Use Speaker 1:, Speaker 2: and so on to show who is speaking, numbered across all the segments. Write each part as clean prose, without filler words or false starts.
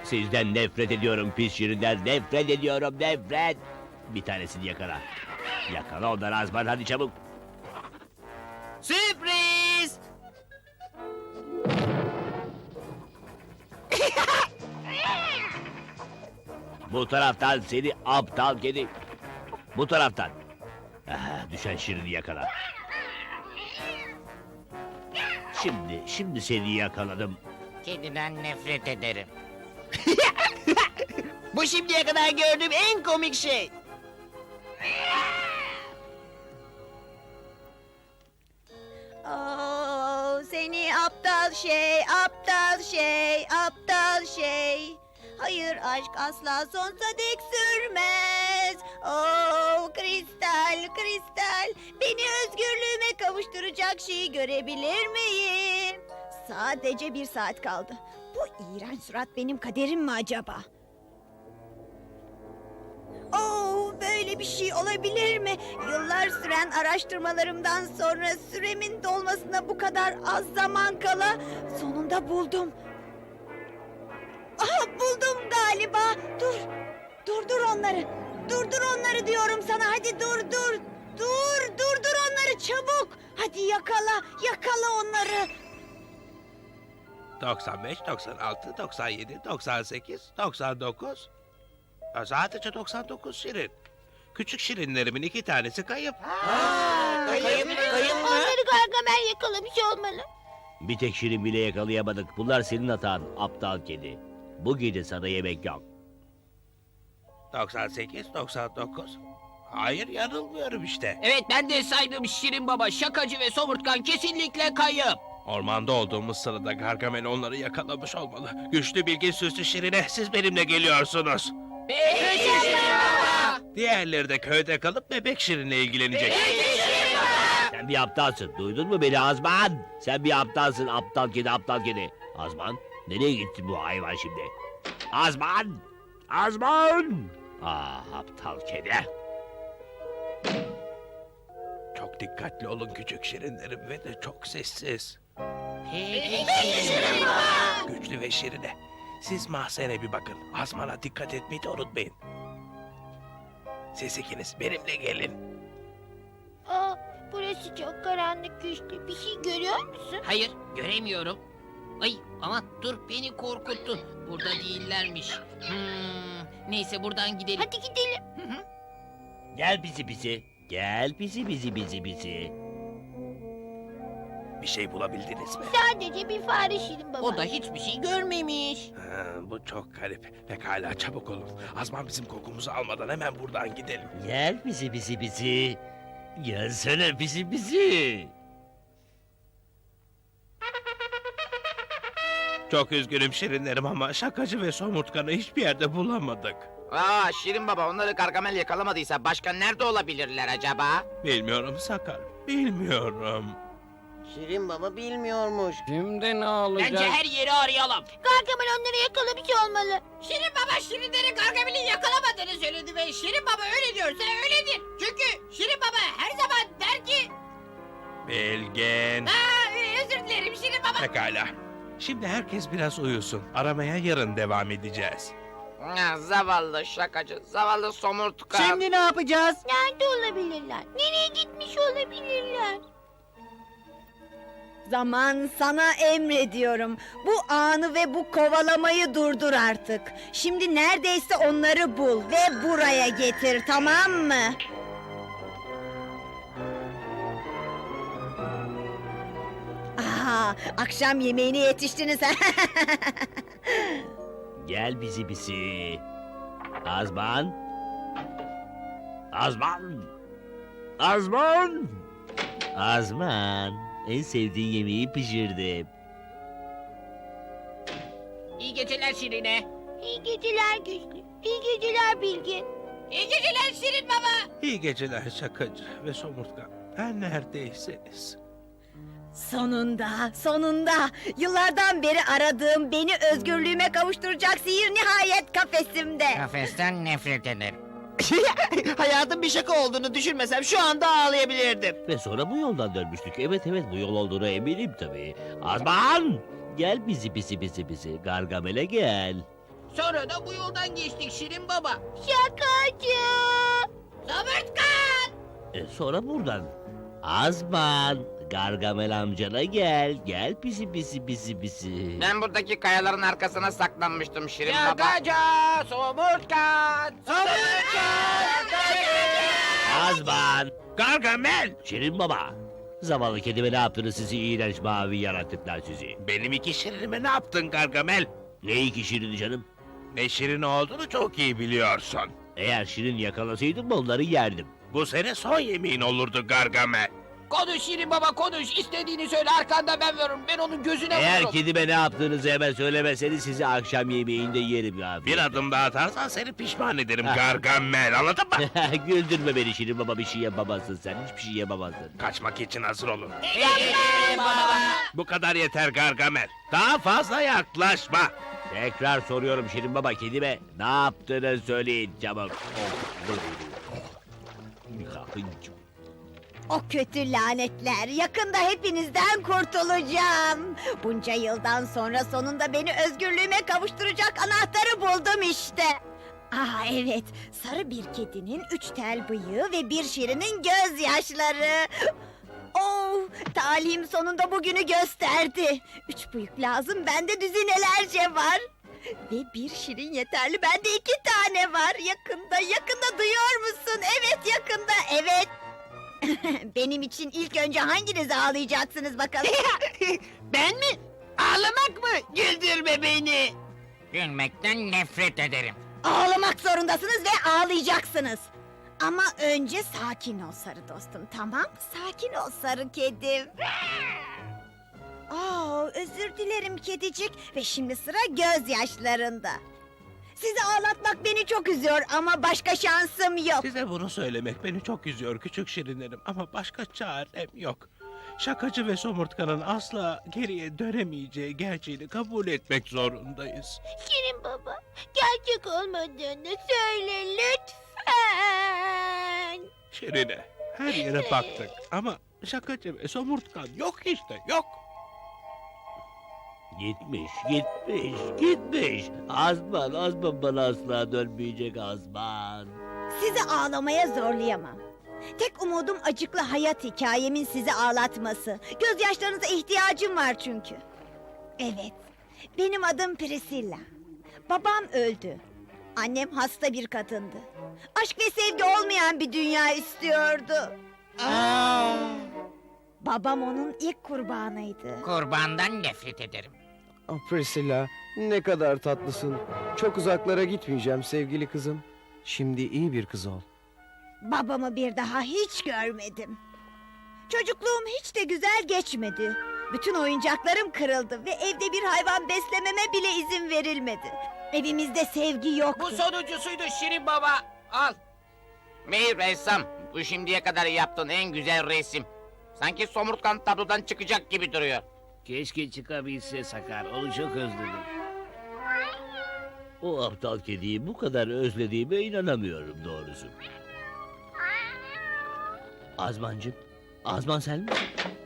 Speaker 1: Sizden nefret ediyorum pis şirinler, nefret ediyorum, nefret! Bir tanesini yakala. Yakala onları Azman, hadi çabuk!
Speaker 2: Sürpriz!
Speaker 1: Bu taraftan seni aptal kedi! Bu taraftan! Ah, düşen şirini yakala. Şimdi seni yakaladım.
Speaker 2: Kediden nefret ederim. Bu şimdiye kadar gördüğüm en komik şey.
Speaker 3: Oh, seni aptal şey, aptal şey, aptal şey. Hayır, aşk asla sonsuza dek sürmez. Oh, kristal, kristal. Beni özgürlüğüme kavuşturacak şeyi görebilir miyim? Sadece 1 saat kaldı. Bu iğrenç surat benim kaderim mi acaba? Oh, böyle bir şey olabilir mi? Yıllar süren araştırmalarımdan sonra süremin dolmasına bu kadar az zaman kala sonunda buldum. Aha, buldum galiba. Durdur onları. Durdur onları diyorum sana. Hadi durdur onları çabuk. Hadi yakala onları.
Speaker 4: 95, 96, 97, 98, 99. Sadece 99 şirin. Küçük şirinlerimin 2 tanesi kayıp.
Speaker 2: Kayıp mı?
Speaker 3: Onları Gargamel yakalamış olmalı.
Speaker 1: Bir tek şirin bile yakalayamadık. Bunlar senin hatan, aptal kedi. Bu gece sana yemek yok.
Speaker 4: 98, 99. Hayır, yanılmıyorum işte.
Speaker 5: Evet, ben de saydım Şirin Baba, Şakacı ve Somurtkan kesinlikle kayıp.
Speaker 4: Ormanda olduğumuz sırada Gargamel onları yakalamış olmalı. Güçlü, bilgin, süslü şirine siz benimle geliyorsunuz. Diğerleri de köyde kalıp bebek şirinle ilgilenecek.
Speaker 1: Sen bir aptalsın, duydun mu beni Azman? Sen bir aptalsın, aptal kedi, aptal kedi. Azman, nereye gitti bu hayvan şimdi? Azman! Azman! Ah, aptal kedi.
Speaker 4: Çok dikkatli olun küçük şirinlerim ve de çok sessiz.
Speaker 2: Peki.
Speaker 4: Güçlü ve şirine. Siz mahzene bir bakın. Azmana dikkat etmeyi de unutmayın. Siz ikiniz benimle gelin.
Speaker 3: Aa, burası çok karanlık, güçlü. Bir şey görüyor musun?
Speaker 5: Hayır, göremiyorum. Ay, aman dur, beni korkuttun. Burada değillermiş. Neyse, buradan gidelim.
Speaker 3: Hadi gidelim.
Speaker 1: Gel pisi. Gel pisi.
Speaker 4: Bir şey bulabildiniz mi?
Speaker 3: Sadece bir fare Şirin Baba.
Speaker 5: O da hiçbir şey görmemiş.
Speaker 4: Ha, bu çok garip. Pekala çabuk olun. Azman bizim kokumuzu almadan hemen buradan gidelim.
Speaker 1: Gel pisi. Gelsene pisi.
Speaker 4: Çok üzgünüm şirinlerim ama şakacı ve somurtkanı hiçbir yerde bulamadık.
Speaker 2: Aa, Şirin Baba, onları Gargamel yakalamadıysa başka nerede olabilirler acaba?
Speaker 4: Bilmiyorum Sakar, bilmiyorum.
Speaker 2: Şirin Baba bilmiyormuş.
Speaker 6: Şimdi ne olacak?
Speaker 5: Bence her yeri arayalım.
Speaker 3: Gargamel onları yakalamış olmalı.
Speaker 5: Şirin Baba, Şirinleri Gargamel'in yakalamadığını söyledi ve Şirin Baba öyle diyorsa öyledir. Çünkü Şirin Baba her zaman der ki...
Speaker 4: Bilgin.
Speaker 5: Özür dilerim Şirin Baba.
Speaker 4: Pekala. Şimdi herkes biraz uyusun. Aramaya yarın devam edeceğiz.
Speaker 2: Zavallı şakacı, zavallı somurtkan.
Speaker 6: Şimdi ne yapacağız?
Speaker 3: Nerede olabilirler? Nereye gitmiş olabilirler? Zaman sana emrediyorum. Bu anı ve bu kovalamayı durdur artık. Şimdi neredeyse onları bul ve buraya getir, tamam mı? Aha, akşam yemeğine yetiştiniz.
Speaker 1: Gel pisi. Azman! Azman! En sevdiğin yemeği pişirdim.
Speaker 5: İyi geceler Şirine.
Speaker 3: İyi geceler Güçlü. İyi geceler Bilgin.
Speaker 5: İyi geceler Şirin Baba.
Speaker 4: İyi geceler şakacı ve somurtkan. Her neredeyseniz.
Speaker 3: Sonunda. Yıllardan beri aradığım, beni özgürlüğüme kavuşturacak sihir nihayet kafesimde.
Speaker 2: Kafesten nefret ederim. Hayatın bir şaka olduğunu düşünmesem şu anda ağlayabilirdim.
Speaker 1: Ve sonra bu yoldan dönmüştük. Evet bu yol olduğuna eminim tabii. Azman! Gel pisi. Gargamel'e gel.
Speaker 5: Sonra da bu yoldan geçtik Şirin Baba.
Speaker 3: Şakacı.
Speaker 5: Somurtkan!
Speaker 1: Sonra buradan. Azman, Gargamel amcana gel. Gel pisi pisi pisi pisi.
Speaker 6: Ben buradaki kayaların arkasına saklanmıştım Şirin Baba.
Speaker 5: Şakacı! Somurtkan!
Speaker 1: Azman,
Speaker 4: Gargamel!
Speaker 1: Şirin baba. Zavallı kedime ne yaptınız sizi iğrenç mavi yaratıklar sizi?
Speaker 4: Benim iki şirinime ne yaptın Gargamel?
Speaker 1: Ne iki şirin canım?
Speaker 4: Ne şirin olduğunu çok iyi biliyorsun.
Speaker 1: Eğer şirin yakalasaydım onları yerdim.
Speaker 4: Bu senin son yemeğin olurdu Gargamel.
Speaker 5: Konuş Şirin Baba konuş. İstediğini söyle arkanda ben veririm. Ben onun gözüne
Speaker 1: Eğer
Speaker 5: vururum.
Speaker 1: kedime ne yaptığınızı hemen söylemeseniz sizi akşam yemeğinde yerim ya.
Speaker 4: Bir adım daha atarsan seni pişman ederim Gargamel, anladın mı?
Speaker 1: Güldürme beni Şirin baba, bir şey yapamazsın sen. Hiçbir şey yapamazsın.
Speaker 4: Kaçmak için hazır olun.
Speaker 5: Şirin Baba!
Speaker 4: Bu kadar yeter Gargamel. Daha fazla yaklaşma.
Speaker 1: Tekrar soruyorum Şirin baba, kedime ne yaptığını söyleyin çabuk.
Speaker 3: O kötü lanetler. Yakında hepinizden kurtulacağım. Bunca yıldan sonra sonunda beni özgürlüğüme kavuşturacak anahtarı buldum işte. Evet, sarı bir kedinin 3 tel bıyığı ve bir şirinin gözyaşları. Oh, talihim sonunda bugünü gösterdi. 3 bıyık lazım, bende düzinelerce var. Ve bir şirin yeterli, bende 2 tane var. Yakında duyuyor musun? Evet, yakında, evet. Benim için ilk önce hanginiz ağlayacaksınız bakalım?
Speaker 2: Ben mi? Ağlamak mı? Güldürme beni.
Speaker 6: Gülmekten nefret ederim.
Speaker 3: Ağlamak zorundasınız ve ağlayacaksınız. Ama önce sakin ol sarı dostum, tamam? Sakin ol sarı kedim. Özür dilerim kedicik ve şimdi sıra gözyaşlarında. Sizi ağlatmak beni çok üzüyor ama başka şansım yok.
Speaker 4: Size bunu söylemek beni çok üzüyor küçük şirinlerim ama başka çarem yok. Şakacı ve somurtkanın asla geriye dönemeyeceği gerçeğini kabul etmek zorundayız.
Speaker 3: Şirin baba, gerçek olmadığını söyle lütfen.
Speaker 4: Şirine, her yere baktık ama şakacı ve somurtkan yok işte, yok.
Speaker 1: Gitmiş. Azman bana asla dönmeyecek Azman.
Speaker 3: Sizi ağlamaya zorlayamam. Tek umudum acıklı hayat hikayemin sizi ağlatması. Gözyaşlarınıza ihtiyacım var çünkü. Evet, benim adım Priscilla. Babam öldü. Annem hasta bir kadındı. Aşk ve sevgi olmayan bir dünya istiyordu. Babam onun ilk kurbanıydı.
Speaker 6: Kurbandan nefret ederim.
Speaker 7: Priscilla, ne kadar tatlısın. Çok uzaklara gitmeyeceğim sevgili kızım. Şimdi iyi bir kız ol.
Speaker 3: Babamı bir daha hiç görmedim. Çocukluğum hiç de güzel geçmedi. Bütün oyuncaklarım kırıldı ve evde bir hayvan beslememe bile izin verilmedi. Evimizde sevgi yoktu.
Speaker 5: Bu sonuncusuydu Şirin Baba. Al.
Speaker 6: Bey ressam, bu şimdiye kadar yaptığın en güzel resim. Sanki somurtkan tablodan çıkacak gibi duruyor.
Speaker 1: Keşke çıkabilse Sakar, onu çok özledim. O aptal kediyi bu kadar özlediğime inanamıyorum doğrusu. Azmancığım, Azman sen mi?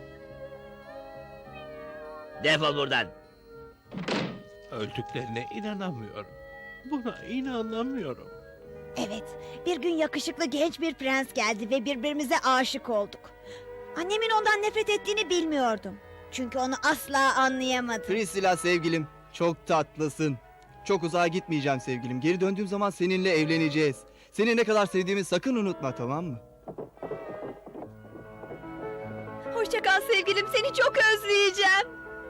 Speaker 1: Defol buradan.
Speaker 4: Öldüklerine inanamıyorum. Buna inanamıyorum.
Speaker 3: Evet, bir gün yakışıklı genç bir prens geldi ve birbirimize aşık olduk. Annemin ondan nefret ettiğini bilmiyordum. Çünkü onu asla anlayamadım.
Speaker 8: Priscilla sevgilim, çok tatlısın. Çok uzağa gitmeyeceğim sevgilim. Geri döndüğüm zaman seninle evleneceğiz. Seni ne kadar sevdiğimi sakın unutma, tamam mı?
Speaker 3: Hoşça kal sevgilim, seni çok özleyeceğim.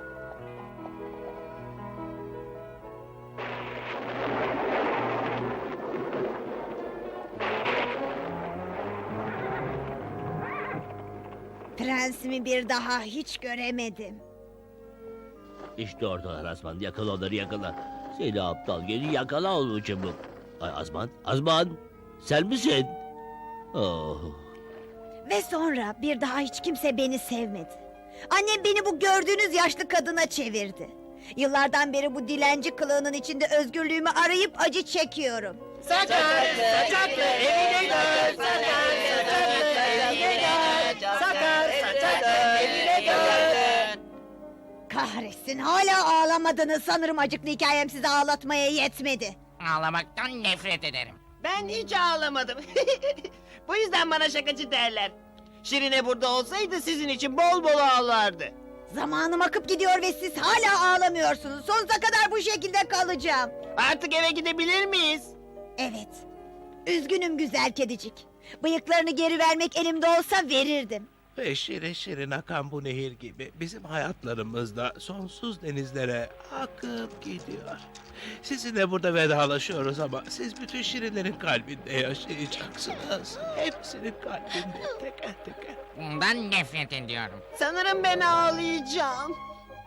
Speaker 3: Prensimi bir daha hiç göremedim.
Speaker 1: İşte oradalar Azman, yakala onları yakala. Seni aptal, geri yakala onu çabuk. Ay Azman, sen misin? Oh.
Speaker 3: Ve sonra bir daha hiç kimse beni sevmedi. Annem beni bu gördüğünüz yaşlı kadına çevirdi. Yıllardan beri bu dilenci kılığının içinde özgürlüğümü arayıp acı çekiyorum.
Speaker 2: Sakar, evine dön. Sakar, evine dön. Sakar, evine dön.
Speaker 3: Kahretsin, hala ağlamadınız. Sanırım acıklı hikayem sizi ağlatmaya yetmedi.
Speaker 6: Ağlamaktan nefret ederim.
Speaker 2: Ben hiç ağlamadım. Bu yüzden bana şakacı derler. Şirine burada olsaydı sizin için bol bol ağlardı.
Speaker 3: Zamanım akıp gidiyor ve siz hala ağlamıyorsunuz. Sonsuza kadar bu şekilde kalacağım.
Speaker 2: Artık eve gidebilir miyiz?
Speaker 3: Evet. Üzgünüm güzel kedicik. Bıyıklarını geri vermek elimde olsa verirdim.
Speaker 4: Ve şirin şirin akan bu nehir gibi bizim hayatlarımız da sonsuz denizlere akıp gidiyor. Sizinle burada vedalaşıyoruz ama siz bütün şirinlerin kalbinde yaşayacaksınız. Hepsinin kalbinde teker teker.
Speaker 6: Bundan nefret ediyorum.
Speaker 2: Sanırım ben ağlayacağım.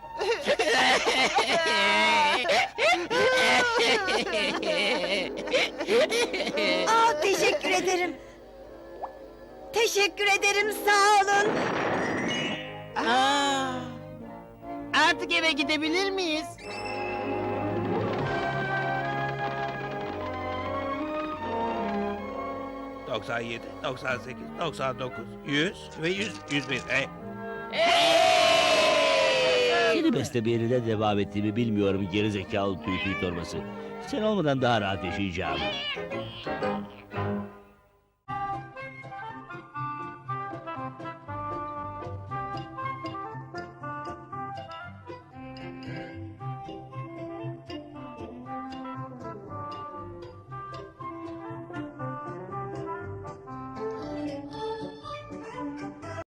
Speaker 3: Teşekkür ederim. Teşekkür ederim, sağ olun.
Speaker 2: Artık eve gidebilir miyiz?
Speaker 4: ...97, 98, 99, 100 ve 101.
Speaker 1: Seni beslemeye neden devam ettiğimi bilmiyorum gerizekalı tüy torbası. Sen olmadan daha rahat yaşayacağım.